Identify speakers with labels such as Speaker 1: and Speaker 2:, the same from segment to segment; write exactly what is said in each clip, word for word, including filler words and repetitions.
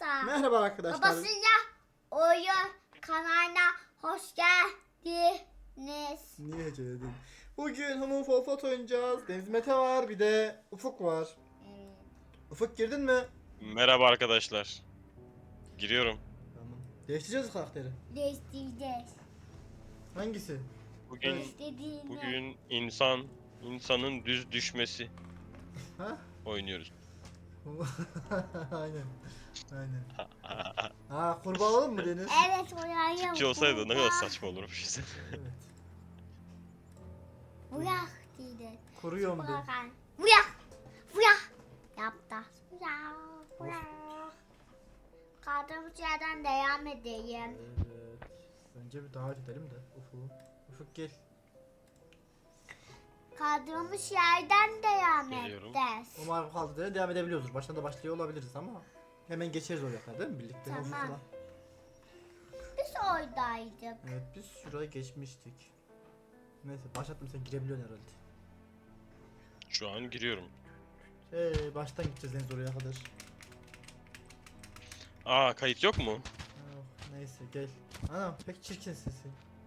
Speaker 1: Merhaba.
Speaker 2: Merhaba arkadaşlar.
Speaker 1: Babasıyla oyun kanalına hoş geldiniz.
Speaker 2: Niye heceledin? Bugün Human Fall Flat oynayacağız. Deniz Mete var, bir de Ufuk var.
Speaker 1: Evet.
Speaker 2: Ufuk girdin mi?
Speaker 3: Merhaba arkadaşlar. Giriyorum.
Speaker 2: Tamam. Değiştireceğiz karakteri.
Speaker 1: Değiştireceğiz.
Speaker 2: Hangisi?
Speaker 3: Bugün
Speaker 1: İstediğini.
Speaker 3: bugün insan insanın düz düşmesi
Speaker 2: Ha?
Speaker 3: oynuyoruz.
Speaker 2: Aynen. Aynen. Ha, kurbağa olalım mı Deniz?
Speaker 1: Evet oraya.
Speaker 3: Ki olsaydı ne kadar saçma olurmuş işte.
Speaker 2: Evet.
Speaker 1: Bırak dedi.
Speaker 2: Kuruyorum de.
Speaker 1: Bırak. Bırak. Bırak. Yaptı. Bırak. Bırak. Kaldığımız yerden devam edeyim.
Speaker 2: Evet. Önce bir davet edelim de Ufuk. Ufuk gel.
Speaker 1: Kaldığımız yerden devam
Speaker 3: Geliyorum.
Speaker 1: edeceğiz.
Speaker 2: Umarım kaldı diye devam edebiliyoruz. Baştan da başlıyor olabiliriz ama hemen geçeriz oraya kadar değil mi birlikte?
Speaker 1: Tamam.
Speaker 2: Ufuk'la.
Speaker 1: Biz oradaydık.
Speaker 2: Evet, biz şuraya geçmiştik. Neyse, başlattım, sen girebiliyorsun herhalde.
Speaker 3: Şu an giriyorum.
Speaker 2: Ee, baştan gideceğiz Deniz oraya kadar.
Speaker 3: Aa, kayıt yok mu?
Speaker 2: Oh, neyse gel. Anam pek çirkin sesi.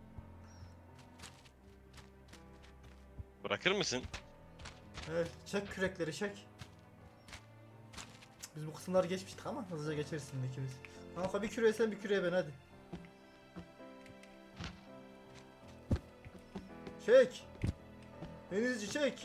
Speaker 3: Bırakır mısın?
Speaker 2: Evet, çek kürekleri çek. Biz bu kısımları geçmiştik ama hızlıca geçeriz şimdi ikimiz. Kanka bir küreye sen, bir küreye ben, hadi. Çek. Denizci çek.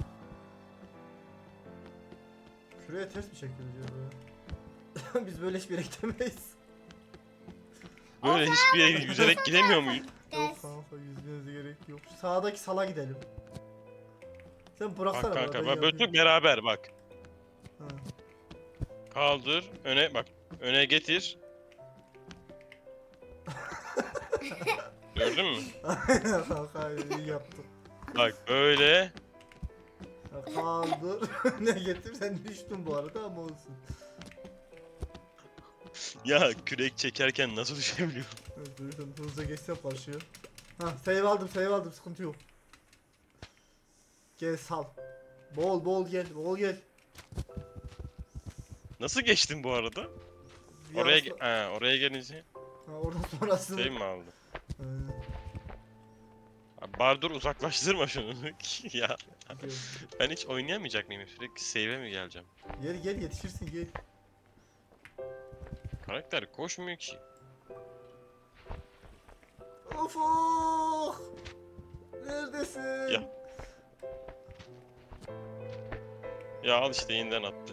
Speaker 2: Küreye ters mi çekiyoruz ya? Biz böyle hiçbir yere gidemeyiz.
Speaker 3: Böyle hiçbir yere yüzerek gidemiyor muyuz?
Speaker 2: Yok kanka, yüzmenize gerek yok. Şu sağdaki sala gidelim. Sen bıraksana.
Speaker 3: Bak kanka,
Speaker 2: ben
Speaker 3: bak böyle
Speaker 2: yapayım.
Speaker 3: beraber bak.
Speaker 2: Ha.
Speaker 3: Kaldır, öne bak. Öne getir. Gördün mü?
Speaker 2: Aynen kanka, iyi yaptın.
Speaker 3: Bak böyle.
Speaker 2: Ya kaldır. Ne getir, sen düştün bu arada ama olsun.
Speaker 3: Ya kürek çekerken nasıl düşebiliyorum?
Speaker 2: Evet, duydum, hızlıca geçsem karşıya. Ha, save aldım, save aldım, sıkıntı yok. Gel sal. Bol bol gel, bol gel.
Speaker 3: Nasıl geçtin bu arada?
Speaker 2: Bir
Speaker 3: Oraya
Speaker 2: arası-
Speaker 3: ge- ha, oraya gelince
Speaker 2: Ha, oradan sonrası.
Speaker 3: şey mi aldın?
Speaker 2: Aynen,
Speaker 3: Abi bari dur, uzaklaştırma şunu. Ya
Speaker 2: gel.
Speaker 3: ben hiç oynayamayacak mıyım? Sürekli save'e mi geleceğim?
Speaker 2: Gel gel, yetişirsin gel.
Speaker 3: Karakter koşmuyor ki.
Speaker 2: Ufuk! Neredesin?
Speaker 3: Ya. Ya al işte, yeniden attı.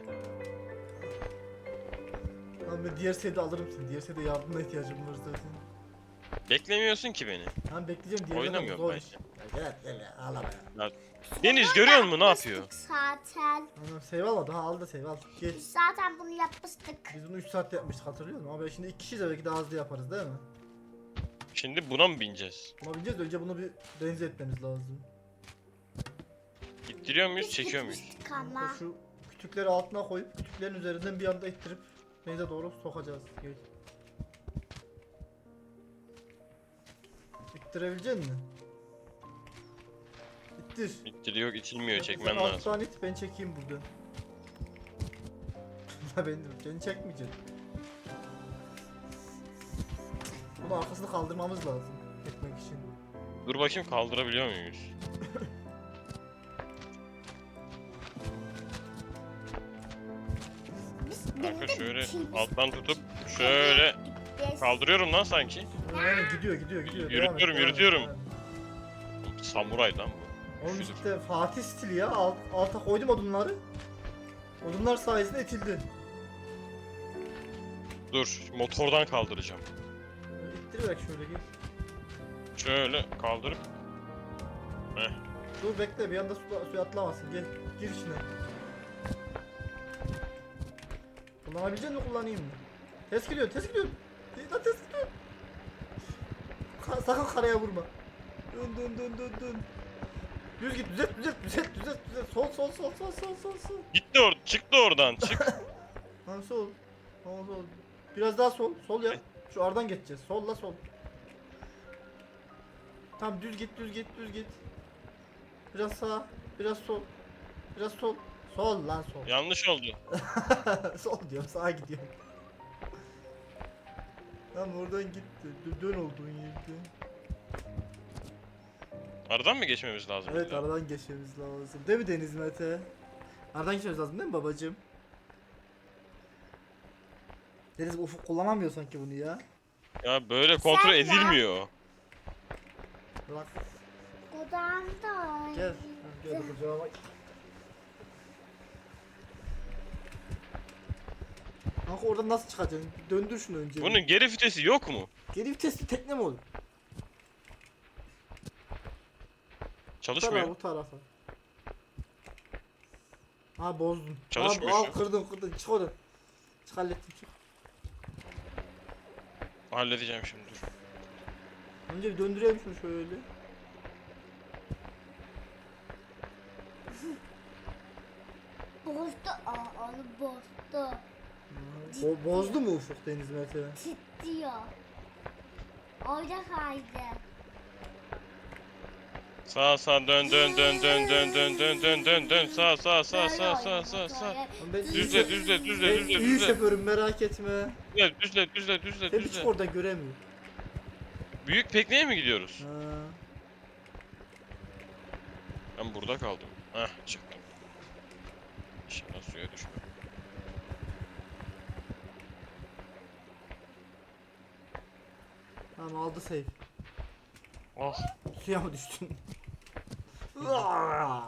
Speaker 2: Lan ben diğer seyde alırım seni. Diğer seyde yardımına ihtiyacım var zaten.
Speaker 3: Beklemiyorsun ki beni.
Speaker 2: Tamam, bekleyeceğim, diğerine
Speaker 3: Oynamıyorum
Speaker 2: zor
Speaker 3: ben.
Speaker 2: iş. Ya gel gel ya, ağlama ya.
Speaker 3: Deniz görüyor musun ne yapıyor?
Speaker 1: Yapmıştık zaten.
Speaker 2: Anam save almadı, ha al da save al. Gel.
Speaker 1: Biz zaten bunu yapmıştık.
Speaker 2: Biz bunu üç saatte yapmıştık, hatırlıyor musun? Ama şimdi iki kişiyiz, belki daha hızlı yaparız değil mi?
Speaker 3: Şimdi buna mı bineceğiz?
Speaker 2: Buna bineceğiz de önce bunu bir renze etmemiz lazım.
Speaker 3: İttiriyor muyuz,
Speaker 1: Biz
Speaker 3: çekiyor muyuz?
Speaker 1: gitmiştik ama.
Speaker 2: Şu kütükleri altına koyup kütüklerin üzerinden bir anda ittirip denize doğru sokacağız. Gel. İttirebilecek misin? İttir.
Speaker 3: İttiriyor, itilmiyor,
Speaker 2: Sen
Speaker 3: çekmen lazım.
Speaker 2: alttan it, ben çekeyim buradan. La ben beni çekmeyeceksin. Bunu arkasını kaldırmamız lazım etmek için.
Speaker 3: Dur bakayım, kaldırabiliyor muyuz?
Speaker 1: Biz
Speaker 3: Kanka
Speaker 1: bindik,
Speaker 3: şöyle
Speaker 1: biz-
Speaker 3: alttan tutup şöyle
Speaker 1: Biz-
Speaker 3: kaldırıyorum lan sanki.
Speaker 2: Aynen, gidiyor gidiyor gidiyor. Devam et,
Speaker 3: Yürütüyorum,
Speaker 2: devam et,
Speaker 3: yürütüyorum.
Speaker 2: devam et.
Speaker 3: Samuray lan bu.
Speaker 2: Oğlum
Speaker 3: Üşüdüm.
Speaker 2: işte Fatih stili ya. Alt, alta koydum odunları. Odunlar sayesinde itildi.
Speaker 3: Dur, motordan kaldıracağım.
Speaker 2: İttirerek şöyle gel.
Speaker 3: Şöyle kaldırıp. Heh.
Speaker 2: Dur bekle, bir anda suya, suya atlamasın. Gel, gir içine. Kullanabilecek misin, kullanayım mı? Ters gidiyor, ters gidiyor. Değil lan, ters gidiyor. Ka sakın karaya vurma. Dön dön dön dön dön. Düz git, düzelt düzelt düzelt düzelt düzelt. Sol sol sol sol sol sol sol.
Speaker 3: Gitti or çıktı oradan, çık.
Speaker 2: Lan sol. Sol sol. Biraz daha sol, sol ya. Şu aradan geçeceğiz. Solla sol. Tamam, düz git, düz git, düz git. Biraz sağ, biraz sol. Biraz sol. Sol lan sol.
Speaker 3: Yanlış oldu.
Speaker 2: Sol diyorum, sağa gidiyorum. Tamam oradan git. Dö- Dön olduğun yerde.
Speaker 3: Aradan mı geçmemiz lazım?
Speaker 2: Evet
Speaker 3: illa?
Speaker 2: aradan geçmemiz lazım. Değil mi Deniz Mete? Aradan geçmemiz lazım değil mi babacığım? Deniz ufuk kullanamıyor sanki bunu ya.
Speaker 3: Ya böyle kontrol
Speaker 1: Sen ya.
Speaker 3: edilmiyor.
Speaker 2: Bırak.
Speaker 1: Odamda.
Speaker 2: Gel. Gel kucağıma bak. Kanka oradan nasıl çıkacaksın? Döndür şunu önce.
Speaker 3: Bunun geri vitesi yok mu?
Speaker 2: Geri vitesli tekne mi olur? Bu tarafa,
Speaker 3: Çalışmıyor.
Speaker 2: bu tarafa. Ha bozdun.
Speaker 3: Çalışmıyor
Speaker 2: Al, al
Speaker 3: şu.
Speaker 2: kırdın kırdın çık oradan. Çık hallettim çık.
Speaker 3: Halledeceğim şimdi dur.
Speaker 2: Önce bir döndürelim şunu şöyle.
Speaker 1: Bozdu. Aa onu bozdu.
Speaker 2: Bo bozdu mu ufuk Deniz Mete?
Speaker 1: Titriyor. Orada kaydı.
Speaker 3: Sağ sağ dön dön dön dön dön dön dön dön dön dön sağ sağ sağ
Speaker 1: Böyle
Speaker 3: sağ sağ
Speaker 1: oynamak
Speaker 3: sağ sağ.
Speaker 1: öyle.
Speaker 2: Ben
Speaker 3: Düzle
Speaker 2: iyi-
Speaker 3: düzle düzle
Speaker 2: ben
Speaker 3: düzle
Speaker 2: iyi
Speaker 3: düzle.
Speaker 2: şoförüm merak etme.
Speaker 3: Düzle düzle düzle düzle
Speaker 2: Seni çık
Speaker 3: düzle.
Speaker 2: orada göremiyor.
Speaker 3: Büyük pikniğe mi gidiyoruz?
Speaker 2: Ha.
Speaker 3: Ben burada kaldım. Heh çıktım. İnşallah suya düşmem.
Speaker 2: Tamam aldı save.
Speaker 3: Ah.
Speaker 2: Suya mı düştün? Aa!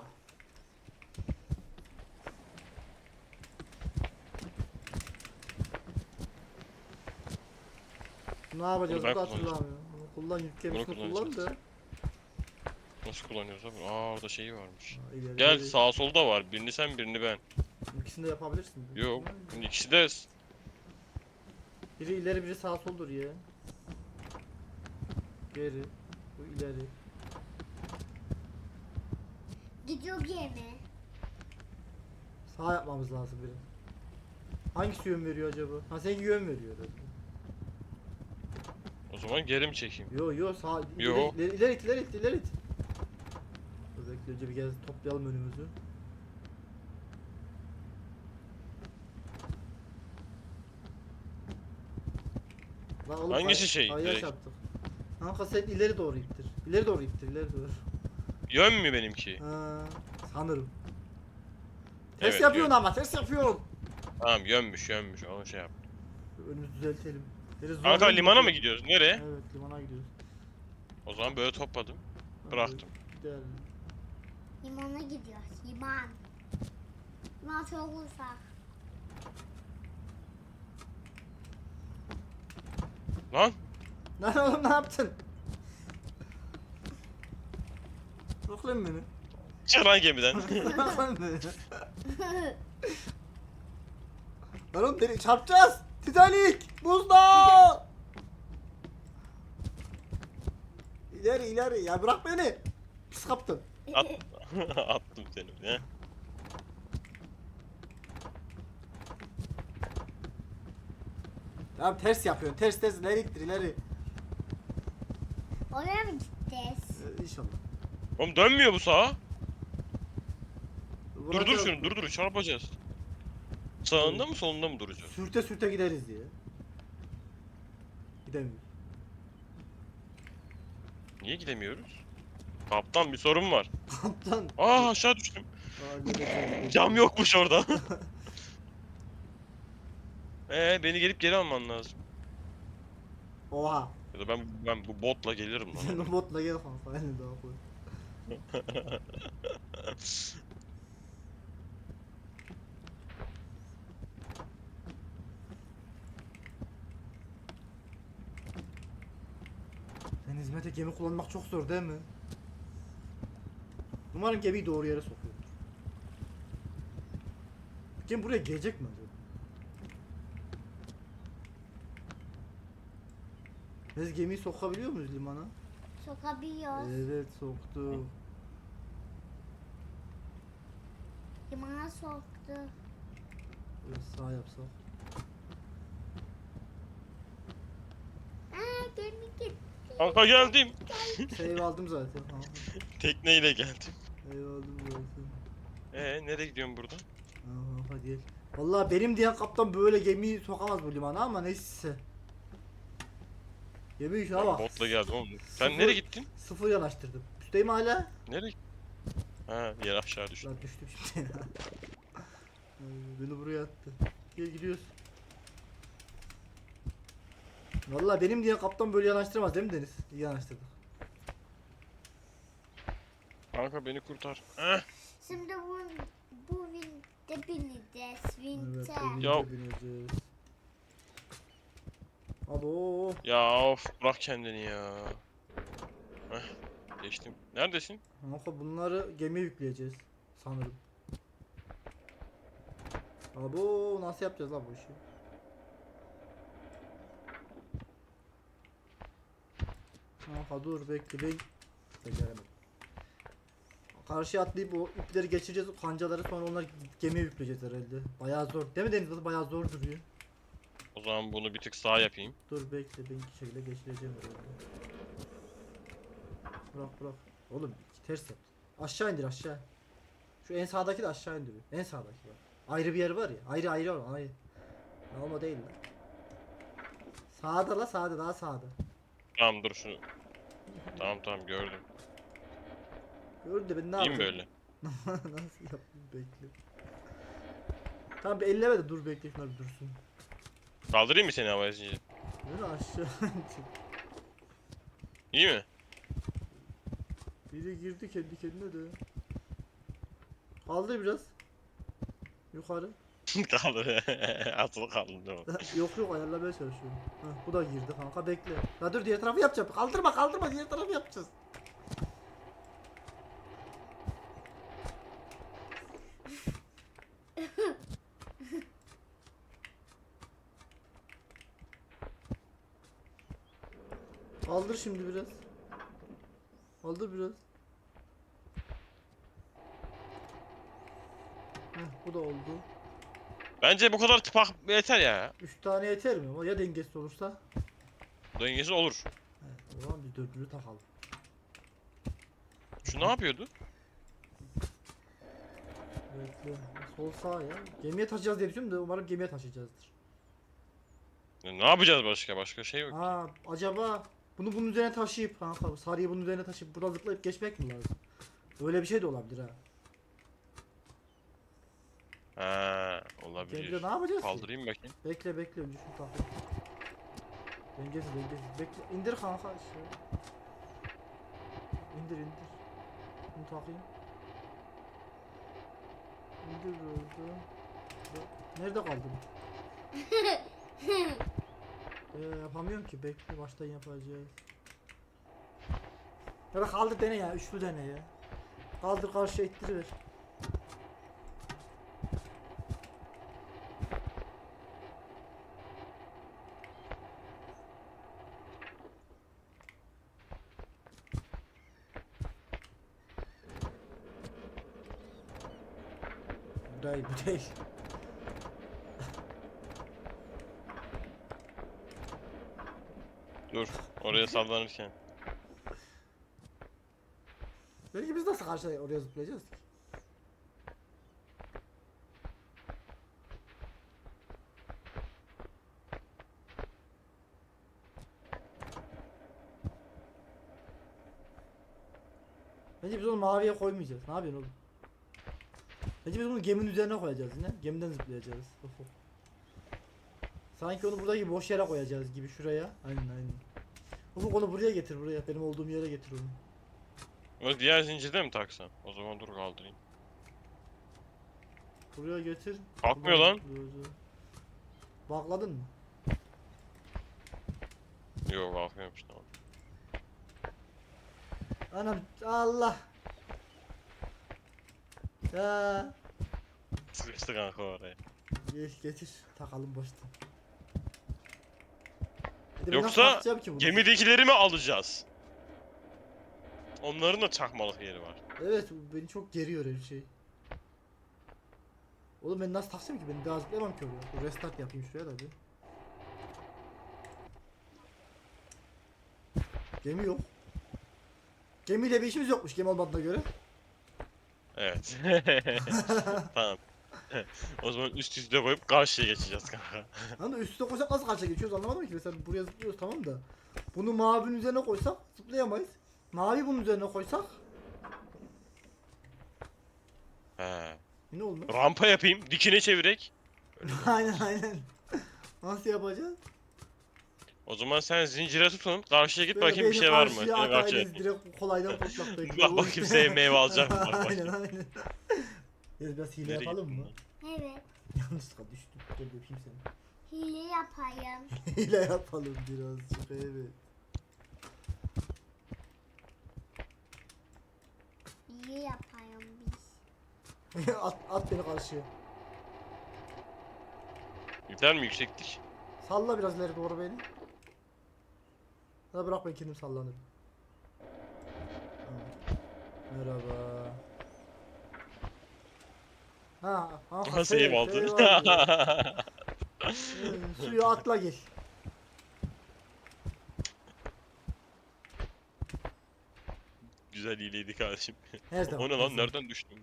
Speaker 2: Ne yapacağız?
Speaker 3: Bunu ben
Speaker 2: Bu da hatırlamıyorum. Bunu kullan yük
Speaker 3: Bunu
Speaker 2: gemisini kullan da.
Speaker 3: kullanacağız. Nasıl kullanıyoruz abi? Aa orada şeyi varmış.
Speaker 2: Ha, ileri
Speaker 3: Gel
Speaker 2: geri.
Speaker 3: sağ solda var. Birini sen birini ben.
Speaker 2: İkisini de yapabilirsin.
Speaker 3: Yok. İkisi de
Speaker 2: Biri ileri biri sağ soldur ya. Geri. Bu ileri.
Speaker 1: Gidiyor gemi.
Speaker 2: Sağ yapmamız lazım biri. Hangisi yön veriyor acaba? Ha seninki yön veriyor herhalde.
Speaker 3: o zaman geri mi çekeyim?
Speaker 2: Yo yo sağ
Speaker 3: Yo.
Speaker 2: ileri, ileri, ileri it ileri it ileri it. Dur bekle önce bir kez toplayalım önümüzü. Lan oğlum,
Speaker 3: Hangisi
Speaker 2: kay-
Speaker 3: şey,
Speaker 2: kayaya
Speaker 3: direkt?
Speaker 2: çarptık. Kanka sen ileri doğru ittir. İleri doğru ittir ileri doğru.
Speaker 3: Yön mü benimki?
Speaker 2: Ha, sanırım. Ters
Speaker 3: Evet,
Speaker 2: yapıyorsun
Speaker 3: yön.
Speaker 2: ama ters yapıyorsun.
Speaker 3: Tamam yönmüş yönmüş onu şey yap.
Speaker 2: Önümüzü düzeltelim. Deniz
Speaker 3: Kanka
Speaker 2: zorlanıyor.
Speaker 3: limana mı gidiyoruz? Nereye?
Speaker 2: Evet limana gidiyoruz.
Speaker 3: O zaman böyle topladım. Bıraktım.
Speaker 2: Gidelim.
Speaker 1: Limana gidiyoruz. Liman. Liman çok uzak.
Speaker 3: Lan
Speaker 2: Lan oğlum ne yaptın? Bırak lan beni.
Speaker 3: çık lan gemiden.
Speaker 2: Bırak lan beni. Lan oğlum beni çarpacağız. Titanic! Buzda! İleri ileri ya bırak beni. Pis kaptın.
Speaker 3: At. Attım seni. He.
Speaker 2: Tamam ters yapıyorsun. Ters ters ileri ittir ileri.
Speaker 1: Oraya mı gideceğiz?
Speaker 2: Ee, inşallah.
Speaker 3: Oğlum dönmüyor bu sağa. Durdur
Speaker 2: Vuracağız.
Speaker 3: şunu durdur çarpacağız. Sağında mı solunda mı duracağız?
Speaker 2: Sürte sürte gideriz diye. Gidemiyoruz.
Speaker 3: Niye gidemiyoruz? Kaptan bir sorun var.
Speaker 2: Kaptan.
Speaker 3: Aa aşağı düştüm.
Speaker 2: Aa, gideceğiz.
Speaker 3: Cam yokmuş orada. Ee beni gelip geri alman lazım.
Speaker 2: Oha.
Speaker 3: Ya da ben ben bu botla gelirim
Speaker 2: Sen
Speaker 3: lan.
Speaker 2: o botla gel kanka. Elini daha koy. Sen hizmete gemi kullanmak çok zor değil mi? Umarım gemiyi doğru yere sokuyordur. Gemi buraya gelecek mi acaba? Biz gemiyi sokabiliyor muyuz limana?
Speaker 1: Sokabiliyoruz.
Speaker 2: Evet soktu.
Speaker 1: Limana soktu.
Speaker 2: Evet, sağ yapsak.
Speaker 1: Aa gemi gitti.
Speaker 3: Kanka geldim.
Speaker 2: Save aldım zaten. Tamam.
Speaker 3: Tekneyle geldim.
Speaker 2: Save aldım zaten.
Speaker 3: Ee nereye gidiyorum buradan?
Speaker 2: Aha hadi. Vallahi benim diyen kaptan böyle gemiyi sokamaz bu limana ama neyse. Gemi şuna
Speaker 3: Ben
Speaker 2: bak.
Speaker 3: botla geldim oğlum. Sen
Speaker 2: Sıfır-
Speaker 3: nereye gittin?
Speaker 2: Sıfır yanaştırdım. Üstteyim hala.
Speaker 3: Nereye? Ha, yer aşağı düştü.
Speaker 2: Lan düştüm şimdi. Ay, beni buraya attı. Gel gidiyoruz. Vallahi benim diye kaptan böyle yanaştıramaz değil mi Deniz? İyi yanaştırdık.
Speaker 3: Kanka beni kurtar. Eh.
Speaker 1: Şimdi bu bu vinte bineceğiz.
Speaker 2: Evet,
Speaker 1: Vinte.
Speaker 2: evimize
Speaker 3: Ya-
Speaker 2: bineceğiz. Abo.
Speaker 3: Ya of bırak kendini ya. Heh, geçtim. Neredesin?
Speaker 2: Kanka bunları gemiye yükleyeceğiz sanırım. Abo nasıl yapacağız lan bu işi? Kanka dur bekle ben beceremedim. Karşıya atlayıp o ipleri geçireceğiz, o kancaları sonra onları gemiye yükleyeceğiz herhalde. Bayağı zor. Değil mi Deniz? Bayağı zor duruyor.
Speaker 3: O zaman bunu bir tık sağ yapayım.
Speaker 2: Dur bekle ben iki şekilde geçireceğim herhalde. Bırak bırak. Oğlum ters yap. Aşağı indir aşağı. Şu en sağdaki de aşağı indiriyor. En sağdaki var. Ayrı bir yer var ya. Ayrı ayrı var. Ayrı. Ama değil lan. Sağda la sağda daha sağda.
Speaker 3: Tamam dur şunu. Tamam tamam gördüm.
Speaker 2: Gördün de ben ne
Speaker 3: İyi mi
Speaker 2: yapayım?
Speaker 3: böyle?
Speaker 2: Nasıl yapayım bekle. Tamam bir elleme de dur bekle şunlar bir dursun.
Speaker 3: Kaldırayım mı seni havaya zinciri?
Speaker 2: Böyle aşağı indir.
Speaker 3: İyi mi?
Speaker 2: Biri girdi kendi kendine de. Kaldır biraz. Yukarı.
Speaker 3: Kaldı. Asılı kaldım değil mi?
Speaker 2: Yok yok ayarlamaya çalışıyorum. Heh, bu da girdi kanka bekle. Ya dur diğer tarafı yapacağım. Kaldırma kaldırma diğer tarafı yapacağız. Kaldır şimdi biraz. Kaldır biraz. Heh, bu da oldu.
Speaker 3: Bence bu kadar tıpak yeter ya.
Speaker 2: Üç tane yeter mi? Ama ya dengesiz olursa?
Speaker 3: Dengesiz olur.
Speaker 2: Evet, o zaman biz dördünü takalım.
Speaker 3: Şu ne yapıyordu?
Speaker 2: Bekle. Sol sağ ya. Gemiye taşıyacağız diye düşünüyorum da umarım gemiye taşıyacağızdır.
Speaker 3: Ya ne yapacağız başka? Başka şey yok.
Speaker 2: Aa acaba bunu bunun üzerine taşıyıp kanka sarıyı bunun üzerine taşıyıp buradan zıplayıp geçmek mi lazım? Öyle bir şey de olabilir ha.
Speaker 3: Ha,
Speaker 2: Gemide
Speaker 3: olabilir.
Speaker 2: ne yapacağız ki?
Speaker 3: Kaldırayım bakayım.
Speaker 2: Bekle bekle önce şunu takayım. Dengesiz dengesiz. Bekle indir kanka işte. İndir indir. Bunu takayım. İndir böyle. Nerede kaldın? Ee, yapamıyorum ki bekle baştan yapacağız. Ya da kaldır dene ya üçlü dene ya. Kaldır karşıya ittiriver. Bu değil bu değil.
Speaker 3: Dur. Oraya sallanırken.
Speaker 2: Belki biz nasıl karşıya oraya zıplayacağız ki? Bence biz onu maviye koymayacağız. Ne yapıyorsun oğlum? Bence biz bunu geminin üzerine koyacağız yine. Gemiden zıplayacağız. Of, of. Sanki onu buradaki boş yere koyacağız gibi şuraya. Aynen aynen. Ufuk onu buraya getir buraya. Benim olduğum yere getir onu.
Speaker 3: O diğer zincirde mi taksam? O zaman dur kaldırayım.
Speaker 2: Buraya getir.
Speaker 3: Kalkmıyor
Speaker 2: Buradan
Speaker 3: lan.
Speaker 2: zıplıyoruz. Bakladın mı?
Speaker 3: Yok kalkmıyormuş tamam.
Speaker 2: Anam Allah. Ya.
Speaker 3: Sıkıştı kanka oraya.
Speaker 2: Geç getir. Takalım baştan. Bir de ben
Speaker 3: Yoksa
Speaker 2: nasıl takacağım ki bunu?
Speaker 3: Gemidekileri mi alacağız? Onların da çakmalık yeri var.
Speaker 2: Evet bu beni çok geriyor her şey. Oğlum ben nasıl taksam ki ben daha zıplayamam ki oraya. Bir restart yapayım şuraya da bir. Gemi yok. Gemiyle bir işimiz yokmuş gemi olmadığına göre.
Speaker 3: Evet. Tamam. O zaman üst üste koyup karşıya geçeceğiz kanka.
Speaker 2: Hani üstüne koysak nasıl karşıya geçiyoruz anlamadım ki. Mesela buraya zıplıyoruz tamam da. Bunu mavinin üzerine koysak zıplayamayız. Mavi bunun üzerine koysak
Speaker 3: He.
Speaker 2: yine olmaz.
Speaker 3: Rampa yapayım, dikine çevirek.
Speaker 2: Aynen aynen. Nasıl yapacağız?
Speaker 3: O zaman sen zincire tutun, karşıya git
Speaker 2: Böyle
Speaker 3: bakayım bir
Speaker 2: beni
Speaker 3: şey var mı?
Speaker 2: karşıya
Speaker 3: Seni karşıya
Speaker 2: atayız,
Speaker 3: atayım.
Speaker 2: direkt kolaydan kurtulak belki.
Speaker 3: Bak bakayım sevmeye alacağım. Bak
Speaker 2: Aynen
Speaker 3: bakayım.
Speaker 2: aynen. Biraz biraz hile
Speaker 3: Nereye
Speaker 2: yapalım
Speaker 3: gittin
Speaker 2: mı?
Speaker 3: lan?
Speaker 1: Evet.
Speaker 2: Yanlışlıkla düştüm. Gel öpeyim seni.
Speaker 1: Hile yapayım.
Speaker 2: Hile yapalım birazcık, evet.
Speaker 1: Hile yapayım biz.
Speaker 2: at, at beni karşıya.
Speaker 3: Gider mi yükseklik?
Speaker 2: Salla biraz ileri doğru beni. Ya da bırak ben kendim sallanırım. Tamam. Merhaba. Ha, ha,
Speaker 3: Aha save aldın.
Speaker 2: Ee, suya atla gel.
Speaker 3: Güzel hileydi kardeşim.
Speaker 2: Her zaman.
Speaker 3: O ne
Speaker 2: her
Speaker 3: lan?
Speaker 2: zaman.
Speaker 3: Nereden düştün?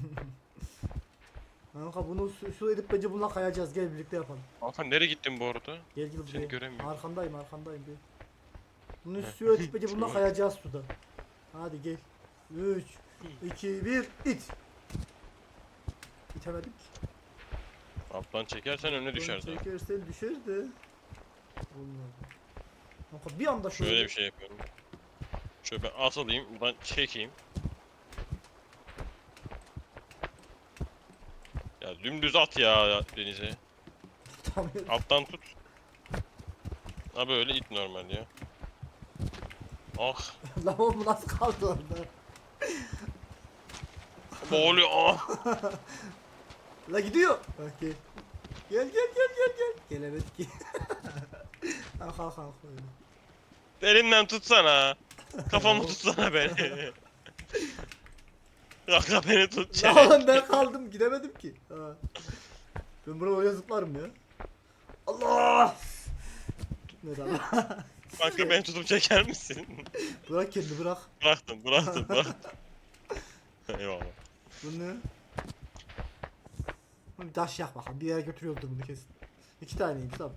Speaker 2: Kanka bunu su, su edip bence bununla kayacağız. Gel birlikte yapalım.
Speaker 3: Hakan nereye gittin bu arada?
Speaker 2: Gel gel buraya.
Speaker 3: Seni göremiyorum.
Speaker 2: Arkandayım arkandayım gel. Bunu suya edip bence bununla kayacağız suda. Hadi gel. üç, iki, bir, it. İtemedik.
Speaker 3: Alttan çekersen önüne düşer zaten.
Speaker 2: Çekersen düşer de. Olmadı. Kanka bir anda şöyle.
Speaker 3: Şöyle bir şey yapıyorum. Şöyle ben atılayım, buradan çekeyim. Ya dümdüz at ya denize.
Speaker 2: Tutamıyorum.
Speaker 3: Alttan tut. Ha böyle it normal ya. Ah,
Speaker 2: Lan oğlum nasıl kaldı orada?
Speaker 3: boğuluyor. Ah.
Speaker 2: La gidiyor. Bak gel. Gel gel gel gel gel. Gelemedik ki. Kalk kalk kalk öyle.
Speaker 3: Elimden tutsana. Kafamı tutsana beni. Kanka beni tut.
Speaker 2: Ya
Speaker 3: çek.
Speaker 2: oğlum ben kaldım gidemedim ki. Ha. Ben buraya oraya zıplarım ya. Allah! Tutmadı Allah.
Speaker 3: Kanka beni tutup çeker misin?
Speaker 2: Bırak kendini bırak.
Speaker 3: Bıraktım, bıraktım, bıraktım. Eyvallah.
Speaker 2: Bu ne? Bir taş yak bakalım. Bir yere götürüyordur bunu kesin. İki taneymiş tamam.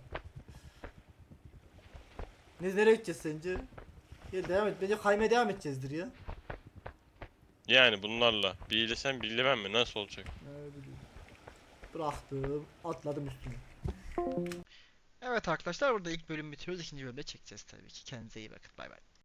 Speaker 2: Ne nereye gideceğiz sence? Gel devam et. Bence kaymaya devam edeceğizdir ya.
Speaker 3: Yani bunlarla bilesem bilemem mi? Nasıl olacak?
Speaker 2: Ne bileyim. Bıraktım. Atladım üstüne.
Speaker 4: Evet arkadaşlar burada ilk bölüm bitiyoruz. İkinci bölümde çekeceğiz tabii ki. Kendinize iyi bakın. Bay bay.